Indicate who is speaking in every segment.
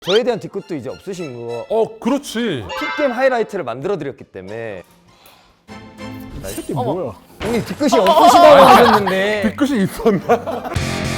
Speaker 1: 저에 대한 뒤끝도 이제 없으신 거.
Speaker 2: 그렇지.
Speaker 1: 킥겜 하이라이트를 만들어 드렸기 때문에.
Speaker 2: 이게 뭐야?
Speaker 1: 형님 뒤끝이 없으시다고 하셨는데.
Speaker 2: 뒤끝이 있었나?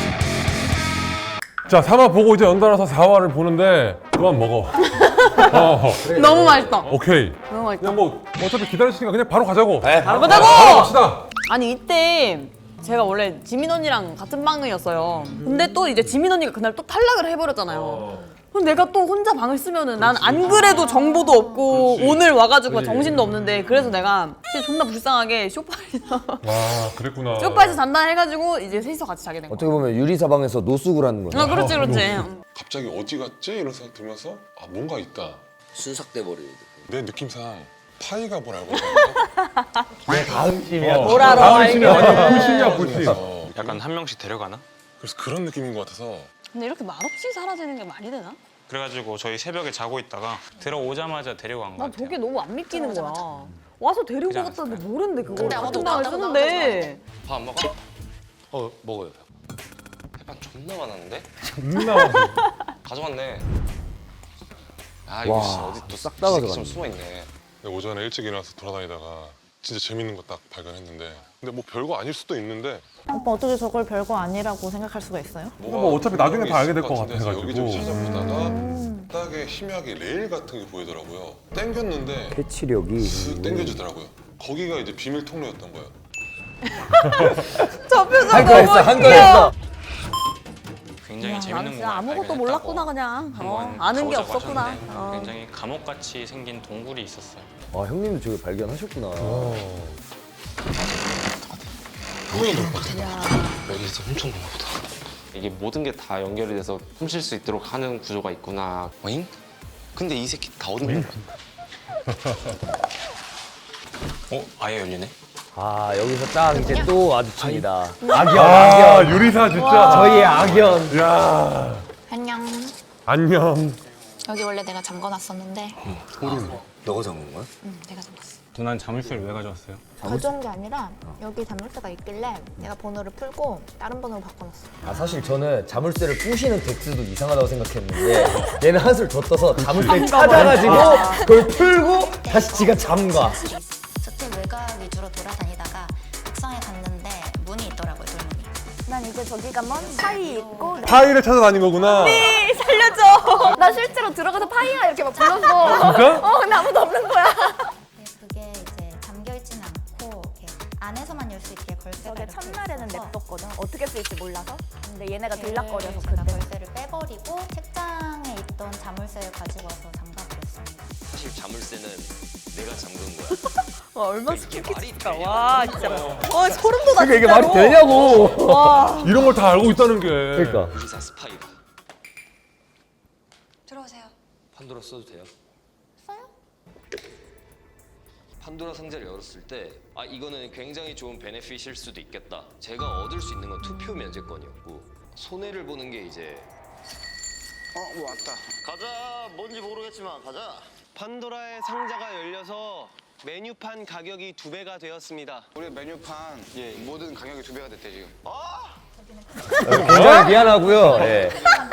Speaker 2: 자, 3화 보고 이제 연달아서 4화를 보는데 그만 먹어.
Speaker 3: 너무 맛있다.
Speaker 2: 오케이.
Speaker 3: 너무 맛있다.
Speaker 2: 그냥 뭐 어차피 기다리시니까 그냥 바로 가자고.
Speaker 3: 바로 가자고!
Speaker 2: 갑시다.
Speaker 3: 아니 이때 제가 원래 지민 언니랑 같은 방이었어요. 근데 또 이제 지민 언니가 그날 또 탈락을 해버렸잖아요. 그럼 내가 또 혼자 방을 쓰면은 난 안 그래도 정보도 없고 오늘 와가지고 정신도 없는데 그래서 내가 진짜 존나 불쌍하게 소파에서
Speaker 2: 와, 그랬구나.
Speaker 3: 소파에서 잔다 해가지고 이제 셋이서 같이 자게 된 거야.
Speaker 1: 어떻게 보면 유리사방에서 노숙을 하는 거예요.
Speaker 3: 그렇지 그렇지.
Speaker 4: 갑자기 어디 갔지? 이런 생각 들면서 아 뭔가 있다.
Speaker 5: 순삭돼 버리는.
Speaker 4: 내 느낌상 파이가 뭘 알고 있었는데
Speaker 1: 내 다음심이야.
Speaker 3: 뭐라러
Speaker 2: 다음심이
Speaker 3: 알게.
Speaker 2: 완전 불신이야, 불신.
Speaker 6: 약간 한 명씩 데려가나?
Speaker 4: 그래서 그런 느낌인 것 같아서
Speaker 3: 근데 이렇게 말없이 사라지는 게 말이 되나?
Speaker 6: 그래가지고 저희 새벽에 자고 있다가 들어오자마자 데려간 거
Speaker 3: 난
Speaker 6: 같아요.
Speaker 3: 저게 너무 안 믿기는 거야. 와서 데리고
Speaker 6: 그냥
Speaker 3: 갔다는데 모르는데 그걸
Speaker 5: 근데
Speaker 3: 같은
Speaker 5: 아무도
Speaker 3: 방을
Speaker 5: 나도
Speaker 3: 쓰는데.
Speaker 5: 밥 안 먹어? 먹어요. 햇반 존나 많았는데?
Speaker 2: 존나 많아.
Speaker 5: 가져갔네. 아 이거
Speaker 1: 와,
Speaker 5: 씨, 어디 또
Speaker 1: 싹다
Speaker 5: 이 새끼
Speaker 1: 가져갔네.
Speaker 5: 좀 숨어 있네.
Speaker 4: 근데 오전에 일찍 일어나서 돌아다니다가 진짜 재밌는 거 딱 발견했는데 근데 뭐 별거 아닐 수도 있는데
Speaker 7: 오빠 어떻게 저걸 별거 아니라고 생각할 수가 있어요?
Speaker 2: 뭐 어차피 나중에 다 알게 될 것
Speaker 4: 같은데 해서
Speaker 2: 같아가지고.
Speaker 4: 여기저기 찾아보다가 딱에 희미하게 레일 같은 게 보이더라고요. 땡겼는데
Speaker 1: 캐치력이.
Speaker 4: 슥 땡겨지더라고요. 거기가 이제 비밀 통로였던 거예요.
Speaker 3: 저 표정
Speaker 1: 한 거
Speaker 3: 너무
Speaker 1: 했어, 한 거
Speaker 3: 웃겨.
Speaker 1: 했어.
Speaker 6: 굉장히
Speaker 3: 나는
Speaker 6: 재밌는
Speaker 3: 진짜
Speaker 6: 공간을
Speaker 3: 아무것도
Speaker 6: 발견했다고
Speaker 3: 몰랐구나 그냥.
Speaker 6: 한번
Speaker 3: 아는 게
Speaker 6: 가보자고
Speaker 3: 없었구나.
Speaker 6: 하셨는데 굉장히 감옥같이 생긴 동굴이 있었어요.
Speaker 1: 아, 형님도 저기 발견하셨구나.
Speaker 5: 여기서 훔쳤나 보다. 이게 모든 게 다 연결이 돼서 훔칠 수 있도록 하는 구조가 있구나. 어잉? 근데 이 새끼 다 어디 있는 거야? 아예 열리네?
Speaker 1: 아, 여기서 딱 이제 또 마주칩니다. 악연,
Speaker 2: 아,
Speaker 1: 악연.
Speaker 2: 유리사 진짜.
Speaker 1: 저희의 악연.
Speaker 2: 야,
Speaker 7: 안녕.
Speaker 2: 안녕.
Speaker 7: 여기 원래 내가 잠궈놨었는데
Speaker 5: 너가 잠근 거야?
Speaker 7: 응, 내가 잠궜어.
Speaker 6: 누난 자물쇠를 왜 가져왔어요?
Speaker 7: 가져온 게 아니라 여기 잠글때가 있길래 내가 번호를 풀고 다른 번호로 바꿔놨어.
Speaker 1: 아, 사실 저는 자물쇠를 부시는 덱스도 이상하다고 생각했는데 얘는 한술 더 떠서 자물쇠를 찾아가지고 그걸 풀고 다시 지가 잠가.
Speaker 7: 저택 외곽 위주로 돌아다니다가 옥상에 갔는데 문이 있더라고요, 돌문이. 난 이제 저기 가면 파이 있고
Speaker 2: 파이를 찾아다닌 거구나.
Speaker 3: 살려줘.
Speaker 7: 나 실제로 들어가서 파이야 이렇게 막 불렀어.
Speaker 2: 진짜?
Speaker 7: 근데 아무도 없는 거야. 그게 이제 잠겨있진 않고 이렇게 안에서만 열 수 있게 걸쇠가
Speaker 8: 저게
Speaker 7: 이렇게
Speaker 8: 첫날에는
Speaker 7: 있어서
Speaker 8: 냅뒀거든. 어떻게 쓸지 몰라서. 근데 얘네가
Speaker 7: 걔를
Speaker 8: 들락거려서
Speaker 7: 제가
Speaker 8: 그때.
Speaker 7: 걸쇠를 빼버리고 책장에 있던 자물쇠를 가지고 와서 잠가버렸습니다.
Speaker 5: 사실 자물쇠는 내가 잠근 거야.
Speaker 3: 와 얼마나
Speaker 5: 이게 말이
Speaker 3: 스킵했을까.
Speaker 5: 돼?
Speaker 3: 와 진짜. 와 소름 돋아
Speaker 1: 그러니까 이게
Speaker 3: 진짜로.
Speaker 1: 말이 되냐고.
Speaker 3: 와.
Speaker 2: 이런 걸 다 알고 있다는 게.
Speaker 1: 그러니까.
Speaker 5: 유리사 스파이가.
Speaker 7: 들어오세요.
Speaker 5: 판도라 써도 돼요?
Speaker 7: 써요?
Speaker 5: 판도라 상자를 열었을 때 아 이거는 굉장히 좋은 베네핏일 수도 있겠다. 제가 얻을 수 있는 건 투표 면제권이었고 손해를 보는 게 이제
Speaker 9: 뭐 왔다. 가자. 뭔지 모르겠지만 가자. 판도라의 상자가 열려서 메뉴판 가격이 2배가 되었습니다. 우리 메뉴판 모든 가격이 2배가 됐대 지금.
Speaker 1: 굉장히 미안하고요. 예.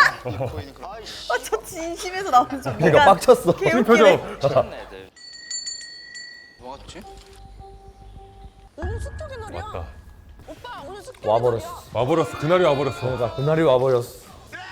Speaker 3: 저 진심에서 나오는 좀.
Speaker 1: 그러니까 빡쳤어.
Speaker 2: 무슨 표정?
Speaker 5: 쳤네 애들.
Speaker 9: 뭐가 좋지?
Speaker 3: 오늘 습격의 날이야.
Speaker 2: 맞다.
Speaker 3: 오빠 오늘 습격의
Speaker 1: 와버렸어.
Speaker 2: 와버렸어. 그날이 와버렸어.
Speaker 1: 그러니까 그날이 와버렸어.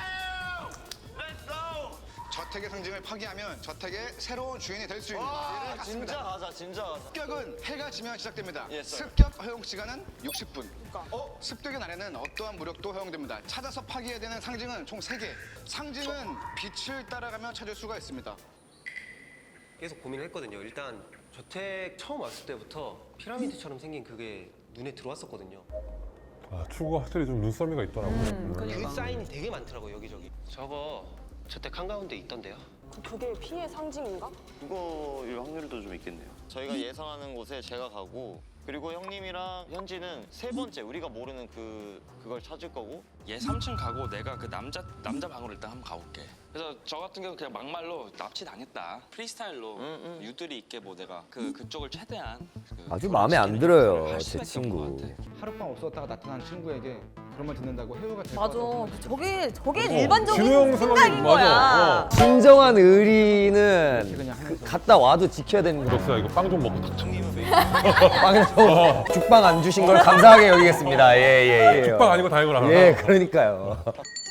Speaker 9: 저택의 상징을 파괴하면 저택의 새로운 주인이 될 수 있는 일을 진짜 가자. 진짜 가자. 습격은 해가 지면 시작됩니다. 습격 허용 시간은 60분. 습격의 날에는 어떠한 무력도 허용됩니다. 찾아서 파괴해야 되는 상징은 총 3개. 상징은 빛을 따라가며 찾을 수가 있습니다.
Speaker 10: 계속 고민을 했거든요. 일단 저택 처음 왔을 때부터 피라미드처럼 생긴 그게 눈에 들어왔었거든요.
Speaker 2: 아, 축구가 확실히 좀 눈썰미가 있더라고.
Speaker 10: 그 사인이 되게 많더라고요, 여기저기. 저거 저택 한가운데 있던데요.
Speaker 3: 그게 피해 상징인가?
Speaker 9: 그거일 확률도 좀 있겠네요.
Speaker 5: 저희가 예상하는 곳에 제가 가고 그리고 형님이랑 현지는 세 번째 우리가 모르는 그걸 찾을 거고
Speaker 6: 얘 3층 가고 내가 그 남자 방으로 일단 한번 가볼게. 그래서 저 같은 경우 그냥 막말로 납치 당했다. 프리스타일로 유들이 있게 뭐 내가 그쪽을 최대한
Speaker 1: 아주 마음에 안 들어요, 제 친구.
Speaker 11: 하룻밤 없었다가 나타난 친구에게
Speaker 9: 그런 말 듣는다고 해외가 될 것
Speaker 3: 맞아.
Speaker 9: 같다고
Speaker 3: 저게 일반적인
Speaker 2: 진우 형
Speaker 3: 생각인 거야.
Speaker 2: 맞아.
Speaker 1: 진정한 의리는 갔다 와도 지켜야 되는 거죠.
Speaker 2: 럭스야 이거 빵 좀 먹고 탁 쳐.
Speaker 1: 빵을 좀 죽빵 안 주신 걸 감사하게 여기겠습니다. 예.
Speaker 2: 죽빵 아니고 다행이구나.
Speaker 1: 예, 그러니까요.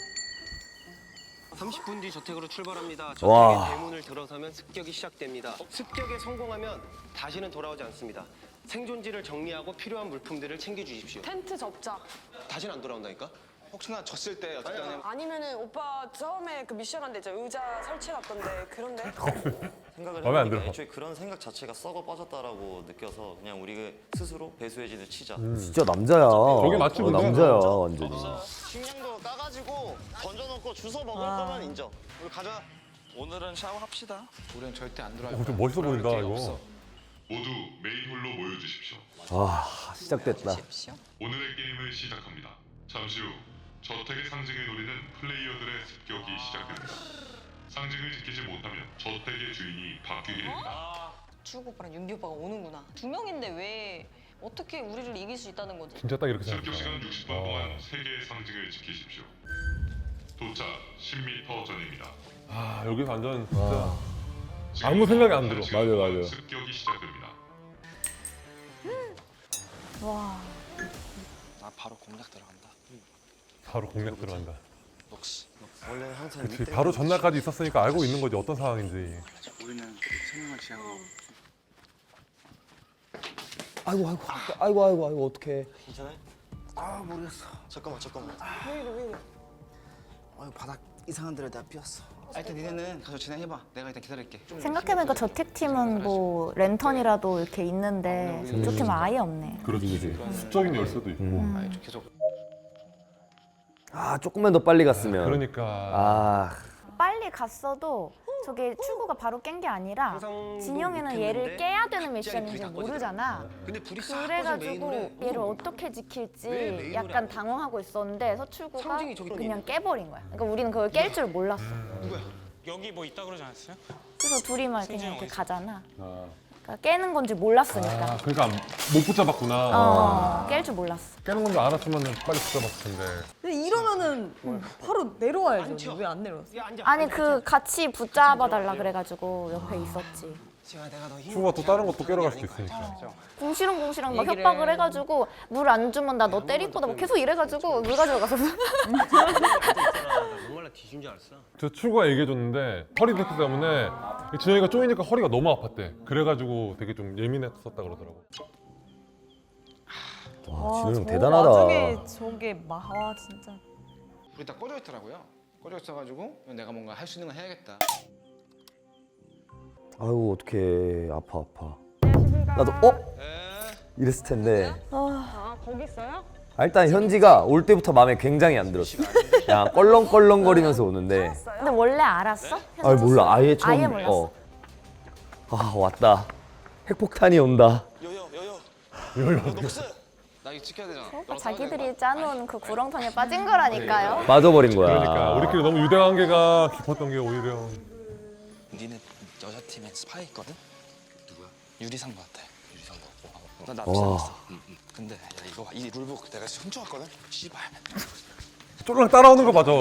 Speaker 10: 30분 뒤 저택으로 출발합니다.
Speaker 1: 와.
Speaker 10: 저택의 대문을 들어서면 습격이 시작됩니다. 습격에 성공하면 다시는 돌아오지 않습니다. 생존지를 정리하고 필요한 물품들을 챙겨주십시오.
Speaker 11: 텐트 접자.
Speaker 10: 다시는 안 돌아온다니까?
Speaker 9: 혹시나 졌을 때 어쨌든
Speaker 11: 아니면은 오빠 처음에 그 미션 한데 이제 의자 설치해놨던데 그런데?
Speaker 12: 생각을
Speaker 2: 마음에 안
Speaker 12: 해보니까
Speaker 2: 들어.
Speaker 12: 애초에 그런 생각 자체가 썩어 빠졌다라고 느껴서 그냥 우리 스스로 배수해진을 치자.
Speaker 1: 진짜 남자야.
Speaker 2: 저게 맞지, 근데?
Speaker 1: 남자야, 완전히.
Speaker 12: 식량도 까가지고 던져놓고 주워 먹을 거면 인정.
Speaker 9: 우리 가자.
Speaker 6: 오늘은 샤워합시다.
Speaker 9: 우리는 절대 안 돌아올 거야.
Speaker 2: 좀 멋있어 보인다
Speaker 9: 돌아올
Speaker 2: 이거.
Speaker 9: 기회가 없어.
Speaker 4: 모두 메인홀로 모여주십시오.
Speaker 1: 시작됐다.
Speaker 4: 오늘의 게임을 시작합니다. 잠시 후 저택의 상징을 노리는 플레이어들의 습격이 시작됩니다. 상징을 지키지 못하면 저택의 주인이 바뀌게 됩니다.
Speaker 11: 출구 오빠랑 윤비 오빠가 오는구나. 두 명인데 왜 어떻게 우리를 이길 수 있다는 거지?
Speaker 2: 진짜 딱 이렇게
Speaker 4: 습격 시간
Speaker 2: 생각했다.
Speaker 4: 60분 동안 3개의 상징을 지키십시오. 도착 10m 전입니다.
Speaker 2: 아 여기서 완전 진짜 아무 생각이 안 들어.
Speaker 1: 맞아.
Speaker 4: 습격이 시작됩니다.
Speaker 6: 나 바로 공략 들어간다.
Speaker 2: 바로 공략 들어간다.
Speaker 6: 럭스.
Speaker 12: 원래 항상
Speaker 2: 그렇지.
Speaker 12: 이때가
Speaker 2: 바로 전날까지 있었으니까 알고 있는 거지 어떤 상황인지.
Speaker 6: 우리는 생명을 지향하고.
Speaker 1: 아이고, 어떡해.
Speaker 12: 괜찮아요?
Speaker 9: 아 모르겠어.
Speaker 12: 잠깐만.
Speaker 9: 아유 바닥 이상한 데를 내가 삐었어. 일단 니네는 가서 진행해봐. 내가 일단 기다릴게.
Speaker 7: 생각해보니까 저택팀은 뭐 랜턴이라도 이렇게 있는데 이쪽 팀은 아예 없네.
Speaker 2: 그렇지. 수적인 열쇠도 있고.
Speaker 9: 계속.
Speaker 1: 조금만 더 빨리 갔으면.
Speaker 2: 그러니까.
Speaker 7: 빨리 갔어도 저게 출구가 바로 깬 게 아니라
Speaker 10: 항상
Speaker 7: 진영이는
Speaker 10: 못했는데
Speaker 7: 얘를 깨야 되는
Speaker 10: 갑자기
Speaker 7: 미션인지
Speaker 10: 불이 다
Speaker 7: 모르잖아.
Speaker 10: 근데 불이 싹 꺼진
Speaker 7: 그래가지고
Speaker 10: 메인홀에
Speaker 7: 얘를 어떻게 지킬지
Speaker 10: 왜 메인홀에
Speaker 7: 약간
Speaker 10: 안
Speaker 7: 당황하고 있었는데 서출구가
Speaker 10: 상징이 저기
Speaker 7: 그냥 깨버린 거야. 그러니까 우리는 그걸 깰 줄 몰랐어.
Speaker 6: 여기 뭐 있다 그러지 않았어요?
Speaker 7: 그래서 둘이 막 그냥 이렇게 가잖아. 그러니까 깨는 건지 몰랐으니까.
Speaker 2: 그러니까 못 붙잡았구나.
Speaker 7: 깰 줄 몰랐어.
Speaker 2: 깨는 건 줄 알았으면 빨리 붙잡았을 텐데.
Speaker 3: 근데 이러면은 바로 내려와야죠. 왜 안 내려왔어?
Speaker 7: 아니 그 같이 붙잡아 달라 그래가지고 옆에 있었지.
Speaker 2: 추가 또 다른 것도 깨러 갈 수도 있으니까.
Speaker 7: 궁시렁궁시렁 막
Speaker 3: 얘기를
Speaker 7: 협박을 해가지고 물 안 주면 나 너 때릴 거다 막 계속 이래가지고 물 가져가서
Speaker 10: 정말 뒤진 줄 알았어.
Speaker 2: 저 출구가 얘기해줬는데 허리 디스크 때문에 진영이가 쪼이니까 허리가 너무 아팠대. 그래가지고 되게 좀 예민했었다 그러더라고.
Speaker 1: 진우 형
Speaker 3: 저
Speaker 1: 대단하다.
Speaker 3: 와중에 저게 와 진짜.
Speaker 9: 불이 다 꺼져 있더라고요. 꺼져 있어가지고 내가 뭔가 할 수 있는 건 해야겠다.
Speaker 1: 아이고, 어떡해. 아파. 나도, 이랬을 텐데.
Speaker 11: 거기 있어요?
Speaker 1: 일단 현지가 올 때부터 마음에 굉장히 안 들었어. 그냥 껄렁껄렁거리면서 오는데.
Speaker 7: 근데 원래 알았어?
Speaker 1: 몰라. 아예 처음.
Speaker 7: 아예 몰랐어.
Speaker 1: 왔다. 핵폭탄이 온다.
Speaker 6: 럭스. 나 이거 지켜야 되잖아.
Speaker 7: 오빠 자기들이 짜놓은 그 구렁텅이에 빠진 거라니까요.
Speaker 1: 빠져버린 거야.
Speaker 2: 그러니까 우리끼리 너무 유대 관계가 깊었던 게 오히려.
Speaker 6: 니네 여자 팀에 스파이 있거든? 누구야? 유리상부 같아. 유리상부. 나
Speaker 1: 와.
Speaker 6: 비싸놨어. 근데 야, 이거 봐. 이 룰북 내가 훔쳐왔거든? 씨발.
Speaker 2: 쫄랑 따라오는 거 맞아.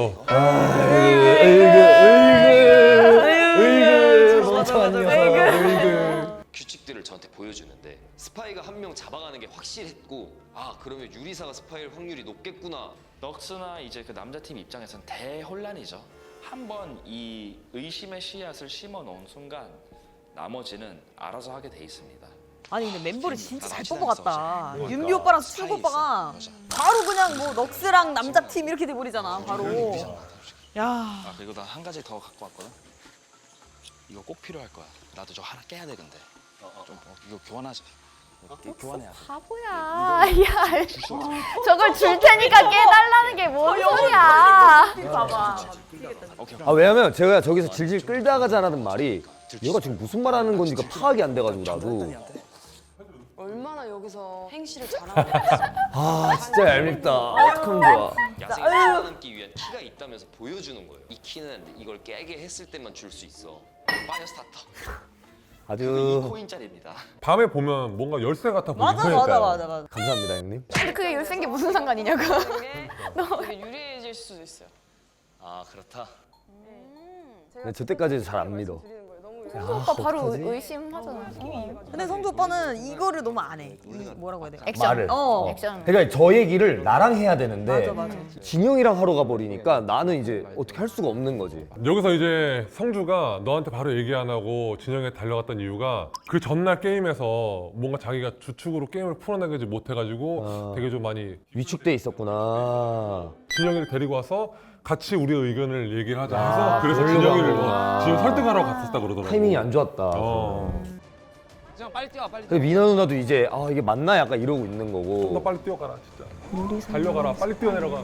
Speaker 1: 으이그 멍청한 녀석.
Speaker 12: 규칙들을 저한테 보여주는데 스파이가 한 명 잡아가는 게 확실했고 그러면 유리사가 스파이일 확률이 높겠구나.
Speaker 6: 럭스나 이제 그 남자팀 입장에선 대혼란이죠. 한번 이 의심의 씨앗을 심어 놓은 순간 나머지는 알아서 하게 돼 있습니다.
Speaker 3: 아니 근데 멤버를 진짜 잘
Speaker 6: 나랑
Speaker 3: 뽑아갔다.
Speaker 6: 친하게
Speaker 3: 윤비 오빠랑 수출
Speaker 6: 스파이
Speaker 3: 오빠가
Speaker 6: 있어.
Speaker 3: 바로 그냥 뭐 럭스랑 남자 팀 이렇게 돼버리잖아. 바로. 야.
Speaker 6: 그리고 나 한 가지 더 갖고 왔거든. 이거 꼭 필요할 거야. 나도 저 하나 깨야 돼 근데. 좀 이거 교환하자. 교환해야 돼.
Speaker 7: 바보야. 야, 저걸 줄 테니까 깨달라는 게 뭔 소리야.
Speaker 3: 봐봐.
Speaker 6: 오케이.
Speaker 1: 왜냐면 제가 저기서 질질 끌다가 자라는 말이 얘가 지금 무슨 말 하는 건지가 파악이 안 돼가지고 나도.
Speaker 11: 얼마나 여기서 행실을 잘하는 거야.
Speaker 1: 진짜 얄밉다. 어떡하면 좋아.
Speaker 12: 야생에 살아남기 위한 키가 있다면서 보여주는 거예요. 이 키는 이걸 깨게 했을 때만 줄 수 있어. 파이어 스타터.
Speaker 1: 아주
Speaker 5: 2코인짜리입니다.
Speaker 2: 밤에 보면 뭔가 열쇠 같아 보이고.
Speaker 3: 맞아.
Speaker 1: 감사합니다 형님.
Speaker 8: 근데 그게 열쇠인 게 무슨 상관이냐고.
Speaker 11: 되게 유리해질 수도 있어요.
Speaker 12: 아 그렇다.
Speaker 1: 근데 저 때까지도 잘 안 믿어.
Speaker 8: 성주 오빠 바로 의심하잖아.
Speaker 3: 근데 성주 오빠는 이거를 너무 안 해. 뭐라고 해야 돼?
Speaker 8: 액션.
Speaker 1: 말을.
Speaker 8: 액션.
Speaker 1: 그러니까 저 얘기를 나랑 해야 되는데
Speaker 3: 맞아.
Speaker 1: 진영이랑 하러 가버리니까 나는 이제 어떻게 할 수가 없는 거지.
Speaker 2: 여기서 이제 성주가 너한테 바로 얘기 안 하고 진영에 달려갔던 이유가 그 전날 게임에서 뭔가 자기가 주축으로 게임을 풀어내지 못해가지고 되게 좀 많이
Speaker 1: 위축돼 있었구나.
Speaker 2: 진영이를 데리고 와서 같이 우리의 의견을 얘기를 하자 해서 그래서
Speaker 1: 그러려고
Speaker 2: 진영이를
Speaker 1: 하는구나.
Speaker 2: 지금 설득하러 갔었다 그러더라고.
Speaker 1: 타이밍이 안 좋았다.
Speaker 5: 그냥 빨리 뛰어 빨리.
Speaker 1: 근데 미나 누나도 이제 아 이게 맞나 약간 이러고 있는 거고.
Speaker 2: 너 빨리 뛰어가라 진짜. 달려가라 빨리 뛰어내려가.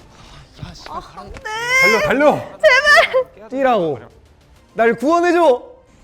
Speaker 3: 안돼.
Speaker 2: 달려.
Speaker 1: 뛰라고. 날 구원해줘.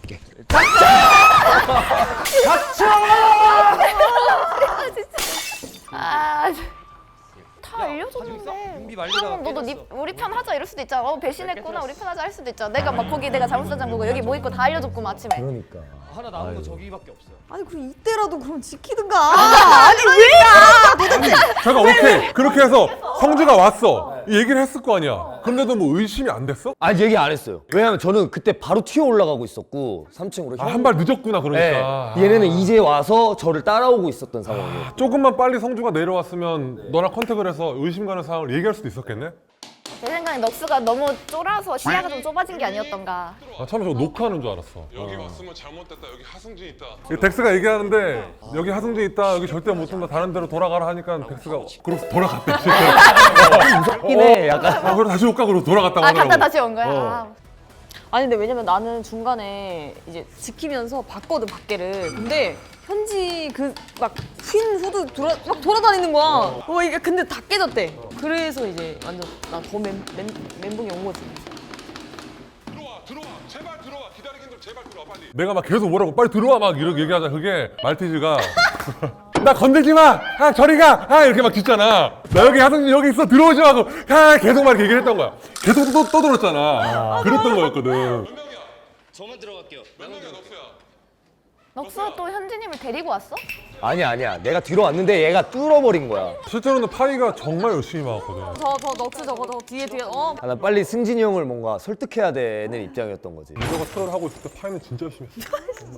Speaker 8: 아, 다 알려줬는데.
Speaker 10: 준비 말리다가
Speaker 8: 그러면 너도 우리 편 하자 이럴 수도 있잖아. 배신했구나 우리 편 하자 할 수도 있잖아. 내가 막 거기 내가 잘못한 장고고 여기 뭐 있고 다 알려줬구만 아침에.
Speaker 1: 그러니까.
Speaker 10: 하나 남은 거 저기밖에 없어요.
Speaker 3: 아니 그럼 이때라도 그럼 지키든가. 아니 왜?
Speaker 2: 잠깐 오케이 그렇게 해서 성주가 왔어 이 얘기를 했을 거 아니야. 근데도 뭐 의심이 안 됐어?
Speaker 1: 아니 얘기 안 했어요. 왜냐면 저는 그때 바로 튀어 올라가고 있었고 3층으로.
Speaker 2: 한 발 늦었구나 그러니까.
Speaker 1: 네, 얘네는 이제 와서 저를 따라오고 있었던 상황이에요.
Speaker 2: 조금만 빨리 성주가 내려왔으면 너랑 컨택을 해서 의심 가는 상황을 얘기할 수도 있었겠네?
Speaker 8: 제 생각에 넉스가 너무 쫄아서 시야가 좀 좁아진 게 아니었던가.
Speaker 2: 아 처음에 저거 녹화하는 줄 알았어.
Speaker 4: 여기 왔으면 잘못됐다. 여기 하승진 있다.
Speaker 2: 덱스가 얘기하는데 여기 하승진 있다 여기 절대 못 온다 다른 데로 돌아가라 하니까 덱스가 그러고 돌아갔대.
Speaker 1: 무섭긴 해 약간.
Speaker 2: 아 그럼 다시 올까 그러고 돌아갔다고 하더라고.
Speaker 8: 갔다 다시 온 거야.
Speaker 3: 아니 근데 왜냐면 나는 중간에 이제 지키면서 봤거든 밖에를. 근데 현지 그 막 흰 후드 막 돌아다니는 거야. 이게 근데 다 깨졌대. 그래서 이제 완전 나 더 멘붕이 온 거지.
Speaker 4: 들어와. 제발 들어와. 기다리긴 좀 제발 들어와 빨리.
Speaker 2: 내가 막 계속 뭐라고 빨리 들어와 막 이렇게 얘기하자. 그게 말티즈가 나 건들지 마! 아 저리 가! 아 이렇게 막 짖잖아. 나 여기 하승진 여기 있어 들어오지 마고 아 계속 막 이렇게 얘기를 했던 거야. 계속 또 들었잖아. 그랬던 거였거든.
Speaker 4: 몇 명이야?
Speaker 12: 저만 들어갈게요.
Speaker 4: 몇 명이야 넉수야?
Speaker 8: 넉스가 또 현진님을 데리고 왔어?
Speaker 1: 아니야. 내가 뒤로 왔는데 얘가 뚫어버린 거야.
Speaker 2: 실제로는 파이가 정말 열심히 막았거든.
Speaker 3: 저 넉스 저거 저 뒤에
Speaker 1: 아, 나 빨리 승진이 형을 뭔가 설득해야 되는 입장이었던 거지.
Speaker 2: 이거가 트롤 하고 있을 때 파이는 진짜 열심히 했어.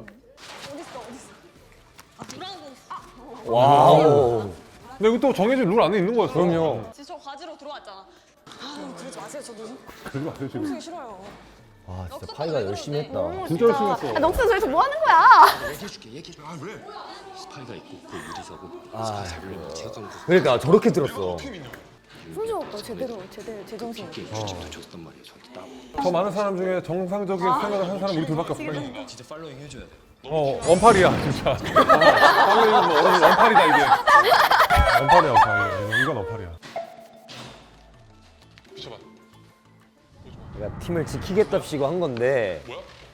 Speaker 1: 와우.
Speaker 2: 근데 이거 또 정해진 룰 안에 있는 거였어.
Speaker 1: 그럼요.
Speaker 3: 저 과지로 들어왔잖아. 그러지 마세요. 저도
Speaker 2: 그러지 마세요 지금.
Speaker 3: 싫어요.
Speaker 1: 와 진짜 파이가 열심히 했다.
Speaker 2: 진짜 열심히 했어.
Speaker 8: 아, 넉스 저기서 뭐 하는 거야?
Speaker 12: 얘기해줄게. 아 왜? 스파이가 있고 그 유리사고 스파이 잡으려면 제가
Speaker 1: 그러니까 저렇게 들었어.
Speaker 8: 승주 오빠 제대로 제정신.
Speaker 12: 규칙도 줬단 말이에요. 저한테 따로.
Speaker 2: 더 많은 사람 중에 정상적인 생각을 하는 사람 우리 둘밖에 없어.
Speaker 12: 진짜 팔로잉 해줘야 돼.
Speaker 2: 원팔이야 진짜. 팔로잉은 뭐 원팔이다 이게. 원팔이야. 이건 원팔이야.
Speaker 4: 비춰봐.
Speaker 1: 내가 팀을 지키겠답시고 한 건데.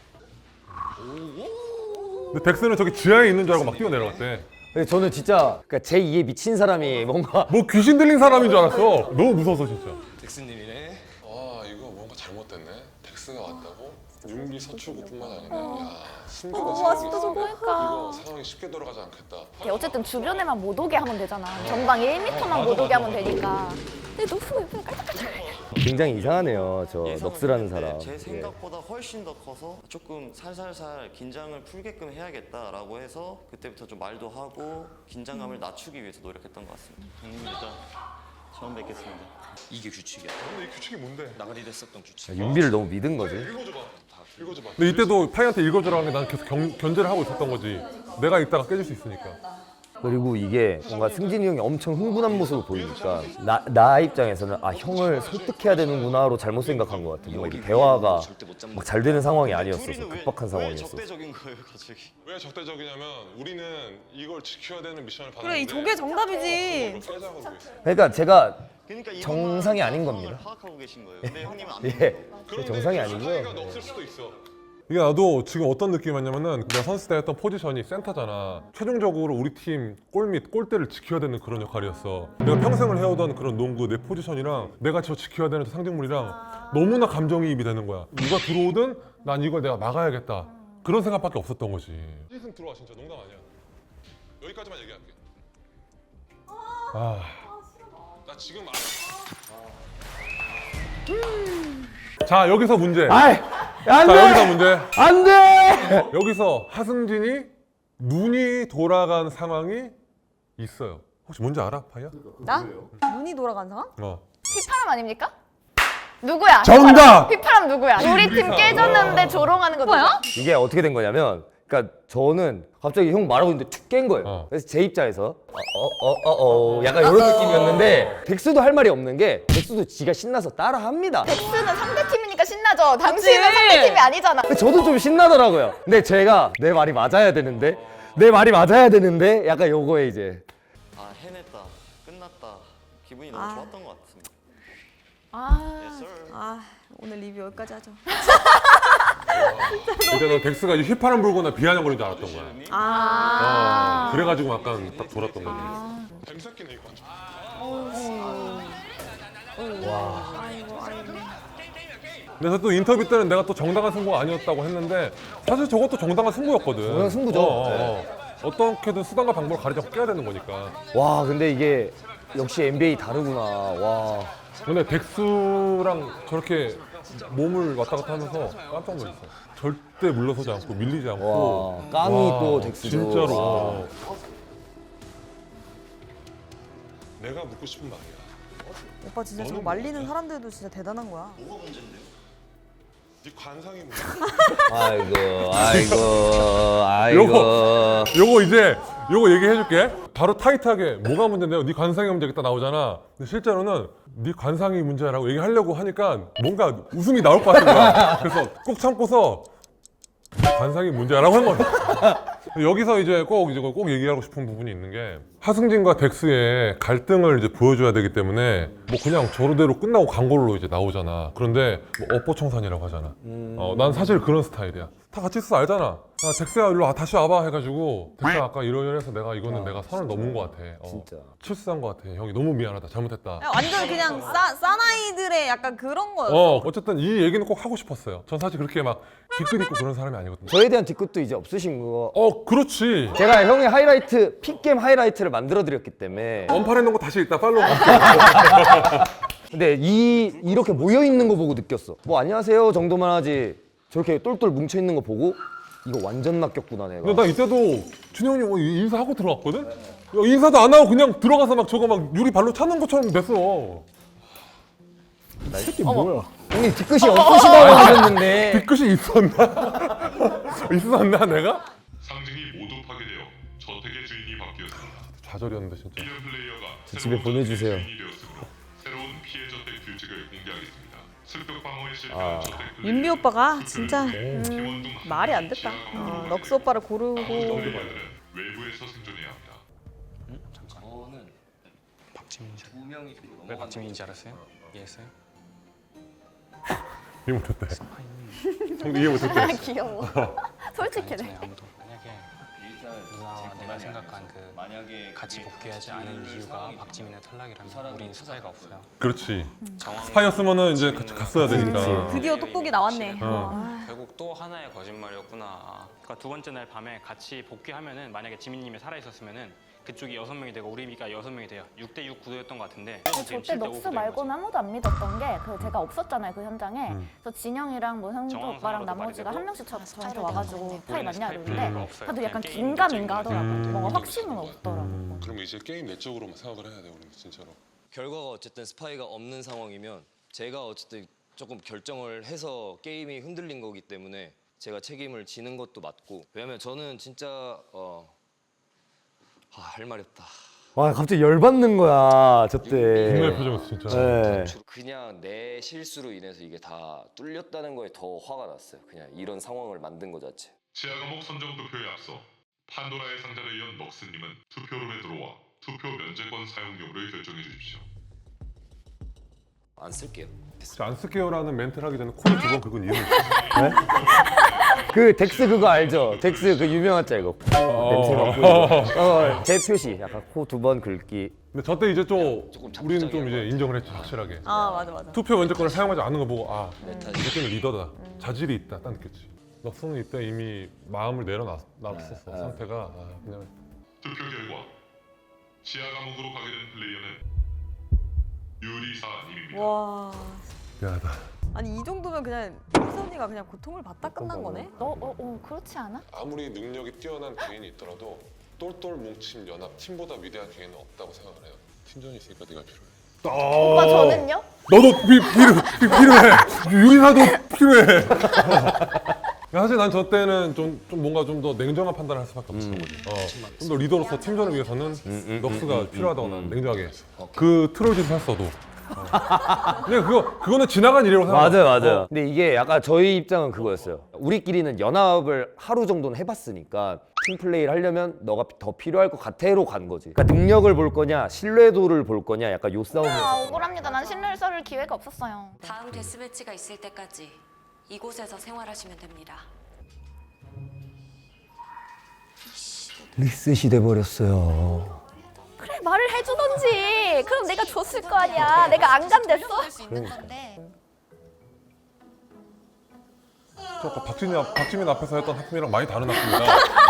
Speaker 2: 근데 덱스는 저기 지하에 있는 줄 알고 막 뛰어내려갔대.
Speaker 1: 근데 저는 진짜 그러니까 제 2에 미친 사람이 뭔가
Speaker 2: 뭐 귀신 들린 사람인 줄 알았어. 너무 무서워서 진짜.
Speaker 12: 덱스님이네.
Speaker 4: 아 이거 뭔가 잘못됐네. 덱스가 왔다고? 윤기 서출구뿐만 아니네. 야 승주가
Speaker 8: 진짜 저거니까.
Speaker 4: 이거 상황이 쉽게 돌아가지 않겠다.
Speaker 8: 어쨌든 주변에만 못 오게 하면 되잖아. 전방 1m만 못 오게 하면 되니까. 근데 넉스가 옆에 깔짝깔짝.
Speaker 1: 굉장히 이상하네요. 저 넉스라는 사람.
Speaker 13: 제
Speaker 1: 예.
Speaker 13: 생각보다 훨씬 더 커서 조금 살살살 긴장을 풀게끔 해야겠다라고 해서 그때부터 좀 말도 하고 긴장감을 낮추기 위해서 노력했던 것 같습니다. 형님 일단 처음 뵙겠습니다.
Speaker 12: 이게 규칙이야.
Speaker 4: 근데 이 규칙이 뭔데?
Speaker 12: 나가리 됐었던 규칙.
Speaker 1: 윤비를 너무 믿은 거지.
Speaker 4: 읽어줘봐.
Speaker 2: 근데 이때도 파이한테 읽어주라고 하는 게 난 계속 견제를 하고 있었던 거지. 내가 읽다가 깨질 수 있으니까.
Speaker 1: 그리고 이게 뭔가 승진이 형이 엄청 흥분한 모습을 보이니까 나 입장에서는 아 형을 설득해야 되는구나로 잘못 생각한 것 같아. 뭔가 이게 대화가 막 잘 되는 상황이 아니었어서 급박한
Speaker 13: 왜
Speaker 1: 상황이었어.
Speaker 13: 적대적인 거예요, 갑자기?
Speaker 4: 왜 적대적이냐면 우리는 이걸 지켜야 되는 미션을 받았는데
Speaker 3: 그래 이 저게 정답이지.
Speaker 4: 이걸 깨자고 그러고 있어.
Speaker 1: 그러니까 제가
Speaker 13: 그러니까 이것만
Speaker 1: 정상이 아닌
Speaker 13: 상황을
Speaker 1: 겁니다.
Speaker 13: 파악하고 계신 거예요. 근데 형님은 안
Speaker 1: 예, 정상이
Speaker 4: 파이가
Speaker 1: 아니고요.
Speaker 4: 없을 수도 있어.
Speaker 2: 이게 나도 지금 어떤 느낌이었냐면은 내가 선수 때 했던 포지션이 센터잖아. 최종적으로 우리 팀 골밑 골대를 지켜야 되는 그런 역할이었어. 내가 평생을 해오던 그런 농구 내 포지션이랑 내가 저 지켜야 되는 저 상징물이랑 너무나 감정이입이 되는 거야. 누가 들어오든 난 이걸 내가 막아야겠다. 그런 생각밖에 없었던 거지. 시승 들어와 진짜 농담 아니야. 여기까지만 얘기할게. 나 지금 자 여기서 문제.
Speaker 1: 아이, 안 돼!
Speaker 2: 자 여기서 문제.
Speaker 1: 안 돼!
Speaker 2: 여기서 하승진이 눈이 돌아간 상황이 있어요. 혹시 뭔지 알아, 파이야?
Speaker 3: 나? 눈이 돌아간 상황?
Speaker 8: 휘파람 아닙니까? 누구야?
Speaker 2: 정답!
Speaker 8: 휘파람 누구야? 우리 팀 깨졌는데 조롱하는 거 누구야?
Speaker 1: 이게 어떻게 된 거냐면, 그러니까 저는 갑자기 형 말하고 있는데 툭 깬 거예요. 그래서 제 입장에서 약간 이런 느낌이었는데 덱스도 할 말이 없는 게 덱스도 지가 신나서 따라합니다.
Speaker 8: 덱스는 상대팀이니까 신나죠. 당신은 상대팀이 아니잖아.
Speaker 1: 근데 저도 좀 신나더라고요. 근데 제가 내 말이 맞아야 되는데 약간 요거에 이제
Speaker 13: 아 해냈다. 끝났다. 기분이 너무 좋았던 것 같습니다.
Speaker 3: 오늘 리뷰 여기까지 하죠.
Speaker 2: 근데 너 덱스가 이제 휘파람 불거나 비아냥거리는 줄 알았던 거야. 그래가지고 약간 딱 돌았던 거지.
Speaker 4: 재밌었겠네 이거.
Speaker 2: 그래서 또 인터뷰 때는 내가 또 정당한 승부가 아니었다고 했는데 사실 저것도 정당한 승부였거든.
Speaker 1: 정당한 승부죠.
Speaker 2: 어떻게든 수단과 방법을 가리지 깨야 되는 거니까.
Speaker 1: 와 근데 이게 역시 NBA 다르구나. 와.
Speaker 2: 근데 덱스랑 저렇게 몸을 왔다 갔다 하면서 깜짝 놀랐어. 절대 물러서지 않고 밀리지 않고.
Speaker 1: 와, 깡이 또 덱스죠.
Speaker 2: 진짜로.
Speaker 1: 와.
Speaker 4: 내가 묻고 싶은 말이야.
Speaker 3: 오빠 진짜 저거 말리는 사람들도 진짜 대단한 거야.
Speaker 13: 뭐가 문제인데요?
Speaker 4: 네 관상이 뭐?
Speaker 1: 아이고.
Speaker 2: 요거 얘기해줄게. 바로 타이트하게 뭐가 문제인데요? 네 관상이 문제겠다 나오잖아. 근데 실제로는 네 관상이 문제라고 얘기하려고 하니까 뭔가 웃음이 나올 것 같은 거야. 그래서 꼭 참고서 관상이 문제라고 한 거야. 여기서 이제 꼭 얘기하고 싶은 부분이 있는 게 하승진과 덱스의 갈등을 이제 보여줘야 되기 때문에 뭐 그냥 저러대로 끝나고 광고로 이제 나오잖아. 그런데 뭐 업보청산이라고 하잖아. 난 사실 그런 스타일이야. 다 같이 있어 알잖아. 야 덱스야 일로 다시 와봐 해가지고 덱스야 아까 이러이러해서 내가 이거는 내가 선을 넘은 것 같아.
Speaker 1: 진짜.
Speaker 2: 실수한 것 같아. 형이 너무 미안하다. 잘못했다.
Speaker 3: 완전 그냥 싸나이들의 약간 그런 거였어.
Speaker 2: 어쨌든 이 얘기는 꼭 하고 싶었어요. 전 사실 그렇게 막 뒤끝 있고 그런 사람이 아니거든요.
Speaker 1: 저에 대한 뒤끝도 이제 없으신 거.
Speaker 2: 그렇지.
Speaker 1: 제가 형의 하이라이트, 픽겜 하이라이트를 만들어 드렸기 때문에.
Speaker 2: 언팔했는 거 다시 이따 팔로우.
Speaker 1: 근데 이렇게 모여 있는 거 보고 느꼈어. 뭐 안녕하세요 정도만 하지. 저렇게 똘똘 뭉쳐 있는 거 보고 이거 완전 낚였구나 내가.
Speaker 2: 근데 나 이때도 준영이 뭐 인사하고 들어갔거든? 야, 인사도 안 하고 그냥 들어가서 막 저거 막 유리 발로 차는 것처럼 됐어.
Speaker 1: 이 새끼 뭐야? 형님 뒤끝이 없으시다고 하셨는데.
Speaker 2: 뒤끝이 있었나? 있었나 내가?
Speaker 4: 상징이 모두 파괴되어 저택의 주인이 바뀌었습니다.
Speaker 2: 좌절이었는데 진짜.
Speaker 4: 이런 플레이어가
Speaker 1: 저 집에 보내주세요.
Speaker 4: 주인이 되었으므로 새로운 피해 저택 규칙을 공개하겠습니다. 습격 방어에 실패한 저택 플레이어
Speaker 3: 윤비 오빠가 진짜 말이 안 됐다. 럭스 오빠를 고르고.
Speaker 4: 플레이어들은 외부에서 생존해야 합니다.
Speaker 5: 저는 박지민이죠. 왜 박지민인지 알았어요? 이해했어요?
Speaker 2: 이해 못했대. 형도 이해 못했대.
Speaker 8: 귀여워. 솔직히네.
Speaker 5: 아무도 만약에 누나와 내가 생각한 그 같이 복귀하지 않은 이유가 박지민의 탈락이라면 우린 스파이가 없어요.
Speaker 2: 그렇지. 스파이였으면은 이제 같이 갔어야 되니까.
Speaker 3: 드디어 똑똑이 나왔네.
Speaker 5: 결국 또 하나의 거짓말이었구나. 그러니까 두 번째 날 밤에 같이 복귀하면은 만약에 지민님이 살아 있었으면은 그쪽이 6명이 되고 우리가 6명이 돼요. 6대6 구도였던 것 같은데.
Speaker 8: 저때 넉스 말고는 아무도 안 믿었던 게 제가 없었잖아요 그 현장에. 그래서 진영이랑 뭐 형도 오빠랑 나머지가 한 명씩 저한테 와가지고 파이 맞냐 이러는데 다들 약간 긴가민가 하더라고. 뭔가 확신은 없더라고.
Speaker 4: 그럼 이제 게임 내적으로만 생각을 해야 돼 우리 진짜로.
Speaker 12: 결과가 어쨌든 스파이가 없는 상황이면 제가 어쨌든 조금 결정을 해서 게임이 흔들린 거기 때문에 제가 책임을 지는 것도 맞고. 왜냐면 저는 진짜 할 말이 없다.
Speaker 1: 와 갑자기 열받는 거야 저때.
Speaker 2: 정말 표정이었어 진짜.
Speaker 1: 네.
Speaker 12: 그냥 내 실수로 인해서 이게 다 뚫렸다는 거에 더 화가 났어요. 그냥 이런 상황을 만든 것 자체.
Speaker 4: 지하 과목 선정 투표에 앞서 판도라의 상자를 이은 넉스님은 투표룸에 들어와 투표 면제권 사용 여부를 결정해 주십시오.
Speaker 12: 안 쓸게요.
Speaker 2: 안 쓸게요라는 멘트를 하기 전에 코를 두 번 긁은 이유는
Speaker 1: 그 덱스 그거 알죠? 덱스 그 유명한 짤 이거. 냄새 맡고. 제 표시 약간 코 두 번 긁기.
Speaker 2: 근데 저때 이제 좀 우리는 좀 이제 인정을 했죠 확실하게.
Speaker 3: 맞아.
Speaker 2: 투표 면제권을 사용하지 않는 거 보고 이 새끼는 리더다. 자질이 있다 딱 느꼈지. 넉스는 이때 이미 마음을 내려놨었어. 상태가 그냥.
Speaker 4: 투표 결과 지하 감옥으로 가게 된 플레이어는 유리사님입니다.
Speaker 3: 와.
Speaker 2: 미안하다.
Speaker 3: 아니 이 정도면 그냥 희선이가 그냥 고통을 받다 끝난 거네?
Speaker 8: 그렇지 않아?
Speaker 2: 아무리 능력이 뛰어난 개인이 있더라도 똘똘 뭉친 연합 팀보다 위대한 개인은 없다고 생각을 해요. 팀전이 있으니까 네가 필요해.
Speaker 8: 오빠 저는요?
Speaker 2: 너도 필요해. 유리사도 필요해. 사실 난 저 때는 좀 뭔가 좀 더 냉정한 판단을 할 수밖에 없었던 거지. 좀 더 리더로서 팀전을 위해서는 넉스가 필요하다고 난 냉정하게 그 트롤짓을 했어도. 근데 그거는 지나간 일이라고 생각해.
Speaker 1: 맞아요. 근데 이게 약간 저희 입장은 그거였어요. 우리끼리는 연합을 하루 정도는 해봤으니까 팀 플레이를 하려면 너가 더 필요할 것 같아로 간 거지. 그러니까 능력을 볼 거냐, 신뢰도를 볼 거냐, 약간 요 싸움이었어.
Speaker 8: 억울합니다. 난 신뢰를 썰을 기회가 없었어요.
Speaker 14: 다음 데스매치가 있을 때까지 이곳에서 생활하시면 됩니다.
Speaker 1: 리셋이 돼버렸어요.
Speaker 8: 그래 말을 해주던지. 그럼 내가 줬을 거 아니야. 내가 안 간댔어?
Speaker 2: 저 아까 박지민 앞에서 했던 하품이랑 많이 다른 하품이다.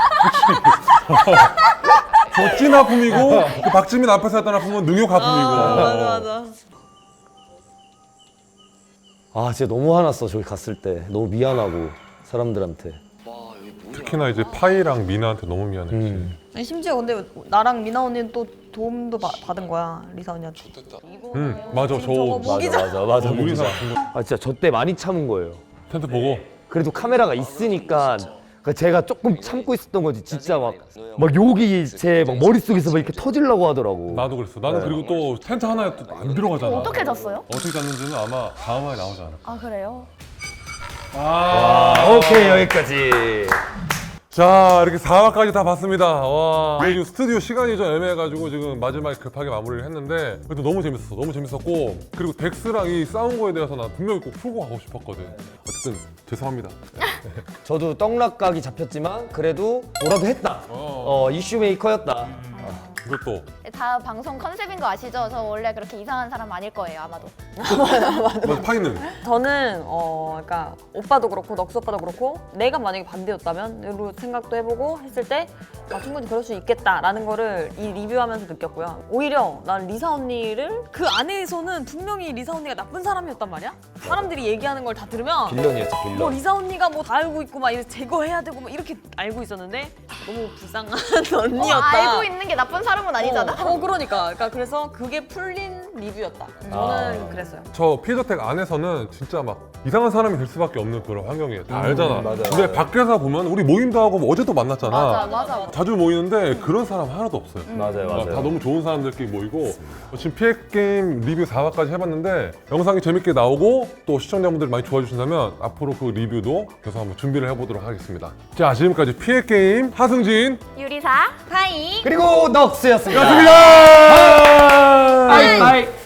Speaker 2: 저 찐 하품이고 그 박지민 앞에서 했던 하품은 능욕 하품이고.
Speaker 3: 맞아.
Speaker 1: 아 진짜 너무 화났어. 저기 갔을 때 너무 미안하고 사람들한테.
Speaker 2: 특히나 이제 파이랑 미나한테 너무 미안했지.
Speaker 3: 아니, 심지어 근데 나랑 미나 언니는 또 도움도 받은 거야 리사 언니한테.
Speaker 2: 맞아.
Speaker 1: 맞아.
Speaker 2: 유리사
Speaker 1: 아 진짜 저 때 많이 참은 거예요.
Speaker 2: 텐트 보고.
Speaker 1: 그래도 카메라가 있으니까 제가 조금 참고 있었던 거지. 진짜 막 욕이 제 막 머릿속에서 막 이렇게 터지려고 하더라고.
Speaker 2: 나도 그랬어. 나는 그리고 또 텐트 하나에 또 안 들어가잖아.
Speaker 8: 어떻게 잤어요?
Speaker 2: 어떻게 잤는지는 아마 다음 화에 나오지 않을까.
Speaker 8: 아 그래요?
Speaker 1: 오케이 여기까지.
Speaker 2: 자 이렇게 4화까지 다 봤습니다. 와 지금 스튜디오 시간이 좀 애매해가지고 지금 마지막에 급하게 마무리를 했는데 그래도 너무 재밌었고 그리고 덱스랑 이 싸운 거에 대해서 난 분명히 꼭 풀고 가고 싶었거든. 어쨌든 죄송합니다.
Speaker 1: 저도 떡락각이 잡혔지만 그래도 뭐라도 했다. 이슈 메이커였다.
Speaker 2: 이것도
Speaker 8: 다 방송 컨셉인 거 아시죠? 저 원래 그렇게 이상한 사람 아닐 거예요 아마도.
Speaker 2: 맞아. 파이는?
Speaker 3: 저는 그러니까 오빠도 그렇고 넉스 오빠도 그렇고 내가 만약에 반대였다면 이런 생각도 해보고 했을 때 충분히 그럴 수 있겠다라는 거를 이 리뷰하면서 느꼈고요. 오히려 난 리사 언니를 그 안에서는 분명히 리사 언니가 나쁜 사람이었단 말이야. 사람들이 얘기하는 걸 다 들으면
Speaker 1: 빌런이었지 빌런.
Speaker 3: 뭐 리사 언니가 뭐 다 알고 있고 막 이래서 제거해야 되고 막 이렇게 알고 있었는데 너무 불쌍한 언니였다.
Speaker 8: 알고 있는 게 나쁜 사람은 아니잖아.
Speaker 3: 그러니까 그래서 그게 풀린 리뷰였다. 저는 그랬어요.
Speaker 2: 저 피저텍 안에서는 진짜 막 이상한 사람이 될 수밖에 없는 그런 환경이에요. 다 알잖아. 근데 밖에서 보면 우리 모임도 하고 뭐 어제도 만났잖아.
Speaker 8: 맞아.
Speaker 2: 자주 모이는데 그런 사람 하나도 없어요.
Speaker 1: 맞아요.
Speaker 2: 다 너무 좋은 사람들끼리 모이고 지금 PX게임 리뷰 4화까지 해봤는데 영상이 재밌게 나오고 또 시청자분들이 많이 좋아해 주신다면 앞으로 그 리뷰도 계속 한번 준비를 해보도록 하겠습니다. 자 지금까지 PX게임 하승진
Speaker 8: 유리사 파이
Speaker 1: 그리고 넉스였습니다.
Speaker 2: 고맙습니다.
Speaker 1: 바이.